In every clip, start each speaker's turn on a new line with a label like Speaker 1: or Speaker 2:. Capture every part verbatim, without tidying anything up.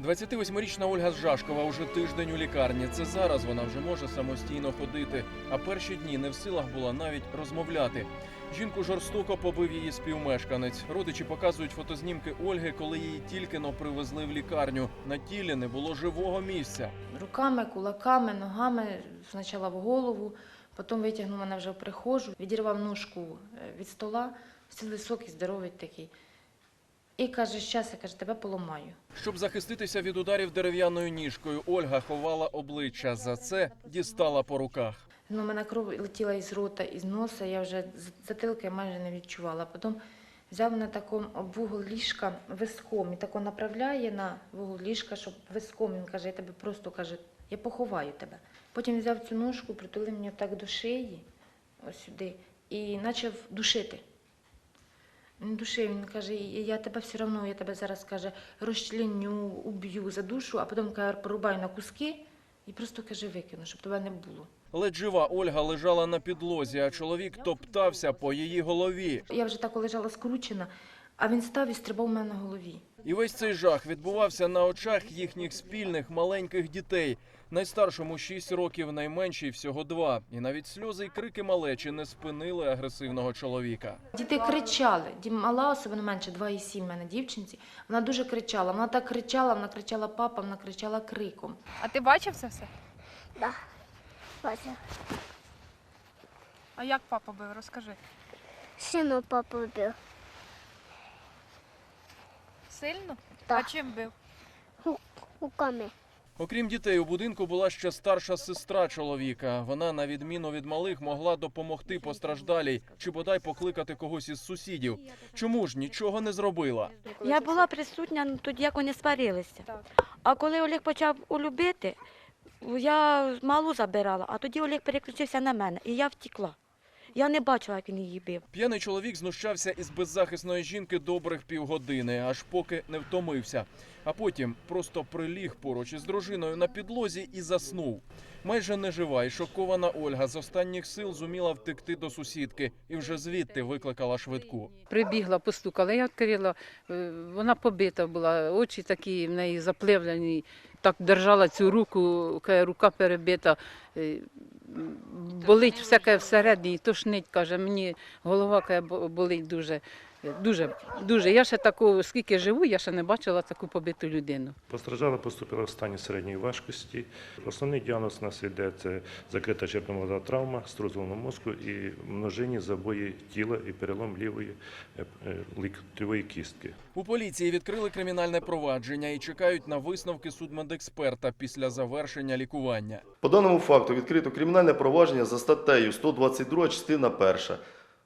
Speaker 1: двадцятивосьмирічна Ольга з Жашкова уже тиждень у лікарні. Це зараз вона вже може самостійно ходити, а перші дні не в силах була навіть розмовляти. Жінку жорстоко побив її співмешканець. Родичі показують фотознімки Ольги, коли її тільки-но привезли в лікарню. На тілі не було живого місця.
Speaker 2: Руками, кулаками, ногами, спочатку в голову, потім витягнув мене вже в прихожу, відірвав ножку від стола, все високий, здоровий такий. І каже, щас, я каже, тебе поламаю.
Speaker 1: Щоб захиститися від ударів дерев'яною ніжкою, Ольга ховала обличчя. За це дістала по руках.
Speaker 2: Ну, у мене кров летіла із рота, із носа, я вже затилки майже не відчувала. Потім взяв на такому об вугол ліжка виском і тако направляє на вугол ліжка, щоб виском, він каже, я тебе просто, каже, я поховаю тебе. Потім взяв цю ножку, притулив мені так до шиї, ось сюди, і почав душити. Він душив, він каже, я тебе все одно, я тебе зараз, каже, розчленю, уб'ю, задушу, а потім, каже, порубаю на куски і просто, каже, викину, щоб тебе не було.
Speaker 1: Ледь жива Ольга лежала на підлозі, а чоловік топтався по її голові.
Speaker 2: Я вже так лежала скручена, а він став і стрибав у мене на голові.
Speaker 1: І весь цей жах відбувався на очах їхніх спільних маленьких дітей. Найстаршому шість років, найменшій всього два. І навіть сльози й крики малечі не спинили агресивного чоловіка.
Speaker 2: Діти кричали. Мала, особливо менше, два і сім в мене дівчинці. Вона дуже кричала. Вона так кричала, вона кричала папа, вона кричала криком.
Speaker 3: А ти бачив це все?
Speaker 4: Да, бачив.
Speaker 3: А як папа бив? Розкажи.
Speaker 4: Сильно папу бив.
Speaker 3: Сильно?
Speaker 4: Так.
Speaker 3: А чим бив?
Speaker 4: Руками.
Speaker 1: Окрім дітей, у будинку була ще старша сестра чоловіка. Вона, на відміну від малих, могла допомогти постраждалій чи бодай покликати когось із сусідів. Чому ж нічого не зробила?
Speaker 5: Я була присутня тоді, як вони сварилися.
Speaker 3: Так.
Speaker 5: А коли Олег почав улюбити, я малу забирала, а тоді Олег переключився на мене, і я втекла. Я не бачила, як він її бив.
Speaker 1: П'яний чоловік знущався із беззахисної жінки добрих півгодини, аж поки не втомився. А потім просто приліг поруч із дружиною на підлозі і заснув. Майже нежива і шокована Ольга з останніх сил зуміла втекти до сусідки і вже звідти викликала швидку.
Speaker 6: Прибігла, постукала, я відкрила, е, вона побита була, очі такі в неї запливлені, так держала цю руку, каже, рука перебита, е, болить всяке всередині, тошнить, каже, мені голова, каже, болить дуже. Дуже, дуже. Я ще такого, скільки живу, я ще не бачила таку побиту людину.
Speaker 7: Постраждала поступила в стані середньої важкості. Основний діагноз у нас йде – це закрита черепно-мозгова травма, струс головного мозку і множинні забої тіла і перелом лівої ліктьової кістки.
Speaker 1: У поліції відкрили кримінальне провадження і чекають на висновки судмедексперта після завершення лікування.
Speaker 8: По даному факту відкрито кримінальне провадження за статтею сто двадцять друга, частина перша.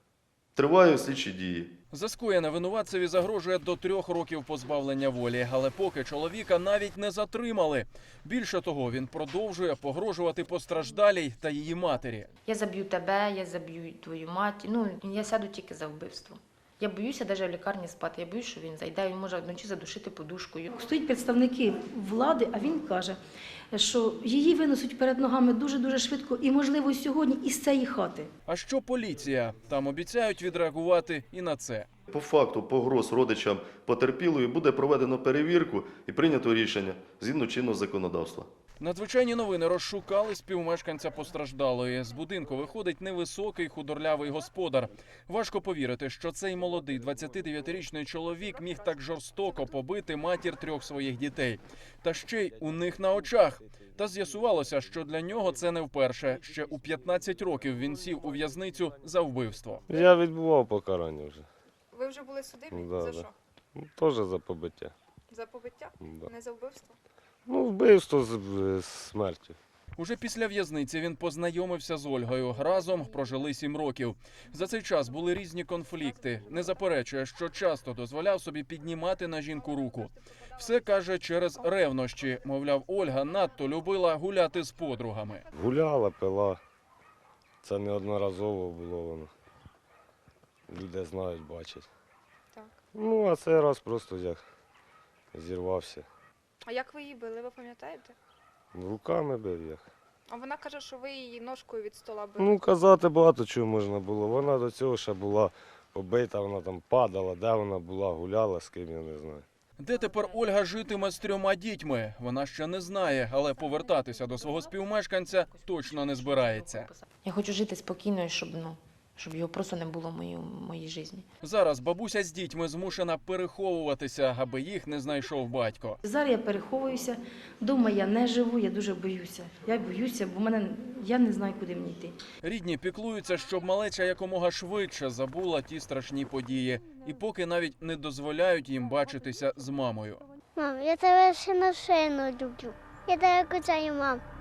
Speaker 8: Тривають слідчі дії.
Speaker 1: За скоєне винуватцеві загрожує до трьох років позбавлення волі, але поки чоловіка навіть не затримали. Більше того, він продовжує погрожувати постраждалій та її матері.
Speaker 2: Я заб'ю тебе, я заб'ю твою мать. Ну, я сяду тільки за вбивство. Я боюся навіть в лікарні спати, я боюся, що він зайде, він може вночі задушити подушкою.
Speaker 9: Стоять представники влади, а він каже, що її винесуть перед ногами дуже-дуже швидко і, можливо, сьогодні із цієї хати.
Speaker 1: А що поліція? Там обіцяють відреагувати і на це.
Speaker 8: По факту погроз родичам потерпілої буде проведено перевірку і прийнято рішення згідно чинного законодавства.
Speaker 1: Надзвичайні новини розшукали співмешканця постраждалої. З будинку виходить невисокий худорлявий господар. Важко повірити, що цей молодий двадцятидев'ятирічний чоловік міг так жорстоко побити матір трьох своїх дітей. Та ще й у них на очах. Та з'ясувалося, що для нього це не вперше. Ще у п'ятнадцять років він сів у в'язницю за вбивство.
Speaker 10: Я відбував покарання вже.
Speaker 3: Ви вже були судимі?
Speaker 10: Да,
Speaker 3: за
Speaker 10: да.
Speaker 3: що?
Speaker 10: Ну, теж за побиття.
Speaker 3: За побиття?
Speaker 10: Да.
Speaker 3: Не за вбивство?
Speaker 10: Ну, вбивство з, з смертю.
Speaker 1: Уже після в'язниці він познайомився з Ольгою. Разом прожили сім років. За цей час були різні конфлікти. Не заперечує, що часто дозволяв собі піднімати на жінку руку. Все, каже, через ревнощі. Мовляв, Ольга надто любила гуляти з подругами.
Speaker 10: Гуляла, пила. Це неодноразово було воно. Люди знають, бачать.
Speaker 3: Так.
Speaker 10: Ну, а цей раз просто як зірвався.
Speaker 3: А як ви її били, ви пам'ятаєте?
Speaker 10: Руками бив як.
Speaker 3: А вона каже, що ви її ножкою від стола били.
Speaker 10: Ну, казати багато чого можна було. Вона до цього ще була побита, вона там падала, де вона була, гуляла, з ким, я не знаю.
Speaker 1: Де тепер Ольга житиме з трьома дітьми? Вона ще не знає, але повертатися до свого співмешканця точно не збирається.
Speaker 2: Я хочу жити спокійно, і щоб, ну, щоб його просто не було в моїй, в моїй житті.
Speaker 1: Зараз бабуся з дітьми змушена переховуватися, аби їх не знайшов батько.
Speaker 9: Зараз я переховуюся, вдома я не живу, я дуже боюся. Я боюся, бо мене, я не знаю, куди мені йти.
Speaker 1: Рідні піклуються, щоб малеча якомога швидше забула ті страшні події. І поки навіть не дозволяють їм бачитися з мамою.
Speaker 4: Мам, я тебе ще на шину люблю. Я тебе кусаю, мам.